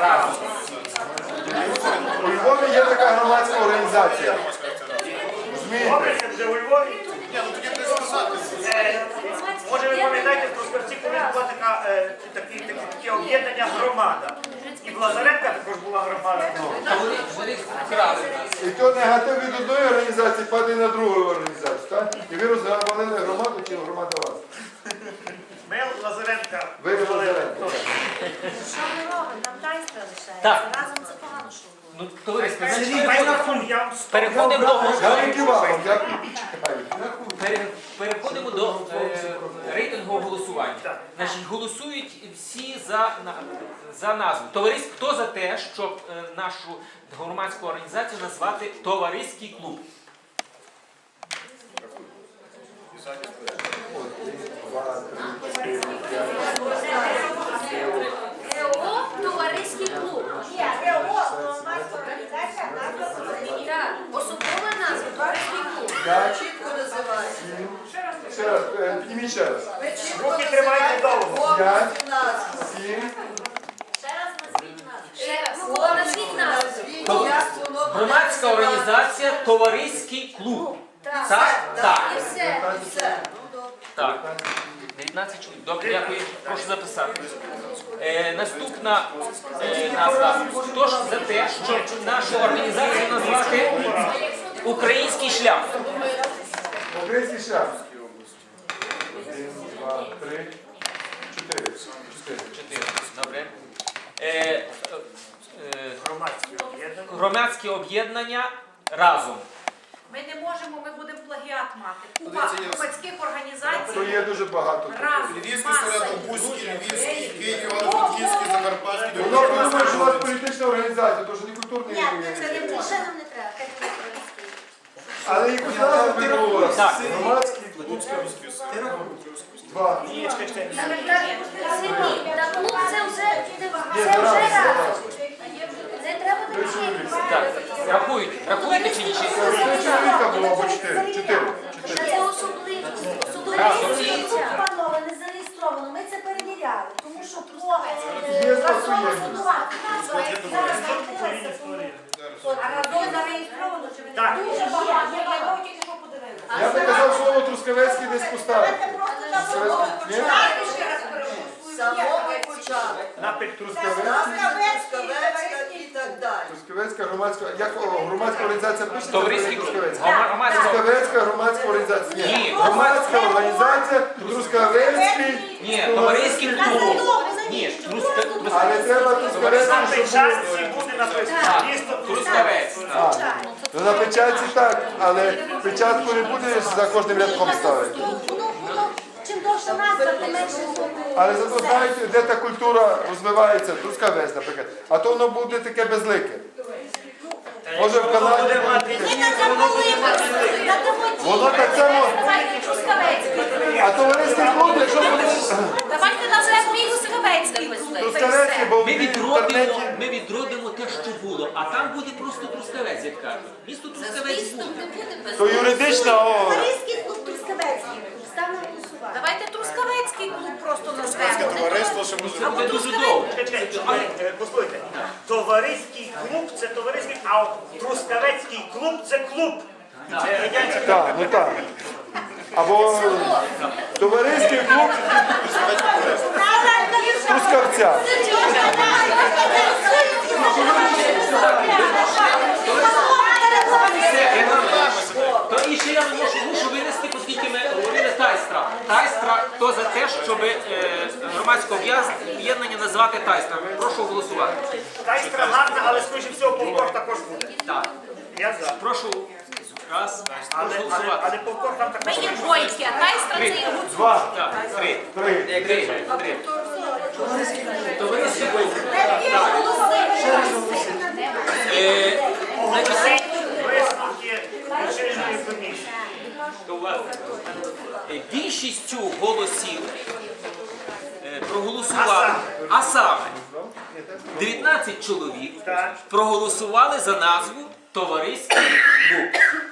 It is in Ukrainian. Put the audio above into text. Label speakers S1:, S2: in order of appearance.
S1: У Львові є така громадська організація. Розумієте?
S2: Вже у Львові? Може ви пам'ятаєте, в Трускавці колись була таке об'єднання громада. І в Лазаренка також була громада.
S1: І то негатив від одної організації падає на другу організацію, так? І ви розвалили громаду, чи громада вас?
S2: Ми Лазаренка.
S1: Ви Лазаренка.
S3: Що ми робимо? Нам тайстра лишається.
S4: Так.
S3: Разом це погано, що було.
S4: Ну, товариство,
S2: Переходимо до
S1: Дякую вам, дякую.
S4: переходимо до рейтингового голосування. Значить, голосують всі за назву. Товариство, хто за те, щоб нашу громадську організацію назвати товариський клуб?
S3: ГО «Товариський клуб». Так, особова назва «Товариський клуб».
S1: Чітко називається. Ще раз, підніміть ще раз.
S2: руки тримайте довго.
S1: 5, 7.
S3: Ще раз, назвіть назву.
S4: Громадська організація товариський клуб.
S3: Так.
S4: Так?
S3: І все.
S4: Так. 19 чоловік. Добре, дякую. Прошу записати. Наступна назва. Хто ж за те, щоб нашу організацію назвати «Український шлях»?
S1: Український шлях. 1, 2, 3, 4.
S4: 4. Добре.
S2: Громадські об'єднання.
S4: Громадське об'єднання разом.
S5: Ми не можемо, ми будемо плагіат мати. Купа громадських організацій.
S1: То є дуже багато.
S5: Разом.
S6: Львівський, Середобузький, Львівський, Київ, Івано-Франківський, Закарпатський.
S1: Воно подумає, що у вас політична організація, то що не культурний.
S3: Це не більше нам не треба. Хай буде «Товариський».
S1: Але якусь назву ви говорите.
S4: Так.
S1: Громадський. 2.
S3: Сергій, та клуб це вже разом. Не треба
S4: Так.
S3: дочекати.
S4: Рахуєте чи ні?
S1: Чоловіка було або 4. 4.
S3: Це особливо.
S7: Панове, не зареєстровано, ми це перевіряли, тому що
S1: Є
S7: разом
S1: спосіб.
S7: будувати.
S5: А разом зареєстровано, чи ви не
S2: Так.
S7: Дуже багато.
S5: Я тільки що подивилася.
S1: Я би казав слово Трускавецький десь поставити.
S7: Давайте просто на
S1: Ні?
S5: Дайте ще раз переголосуємо.
S8: Самого початку.
S2: Напід Трускавець.
S8: Трускавецька і так далі.
S1: Трускавецька громадська, як громадська організація пишеться?
S4: Товариський клуб.
S1: Трускавецька.
S4: Громадська.
S1: Трускавецька громадська організація.
S4: Ні.
S1: Громадська організація Трускавецький.
S4: Ні, товариський клуб. Ні,
S1: Але треба
S2: На
S1: Трускавецький, щоб
S2: печатці буде написано місто
S4: Трускавець.
S1: Ну, на печатці так, але печатку не будеш за кожним рядком ставити.
S7: Чим довше назва, тим менше буде.
S1: Але зато знаєте, де та культура розвивається, Трускавець, наприклад. А то воно буде таке безлике. Може в Канаді буде воно так само. А товариський клуб, якщо буде
S5: Давайте назвемо мій Трускавецький клуб.
S1: Трускавецький, бо в
S4: Ми
S1: інтернеті.
S4: відродимо те, що було, а там буде просто Трускавець, як кажуть. Місто Трускавець буде.
S1: То юридично,
S7: Товариський клуб Трускавецький. Став на голосування.
S5: Давайте Трускавецький клуб просто назвемо.
S6: Товариство, що може
S4: Це буде дуже довго.
S2: Послухайте, товариський клуб це товариський, а от Трускавецький клуб це клуб. Це радянська.
S1: Так, ну так. Або товариський клуб Трускавця.
S4: То і ще я мушу винести, оскільки ми говорили Тайстра. Тайстра, хто за те, щоб громадське об'єднання назвати Тайстра? Прошу голосувати.
S2: Тайстра гарна, але скоріше всього повтор також буде.
S4: Так.
S2: Я за.
S4: Прошу. Раз.
S2: Але
S4: Прошу голосувати.
S2: повтор там
S5: Ми
S2: також
S5: є
S2: буде.
S5: двойки, а Тайстра це є гуцул.
S1: 2,
S4: Так, 3.
S1: 3.
S4: 3. Товариський клуб.
S2: Оголосіть висновки лічильної комісії.
S4: Більшістю голосів проголосували, а саме 19 чоловік
S2: Так.
S4: проголосували за назву Товариський клуб.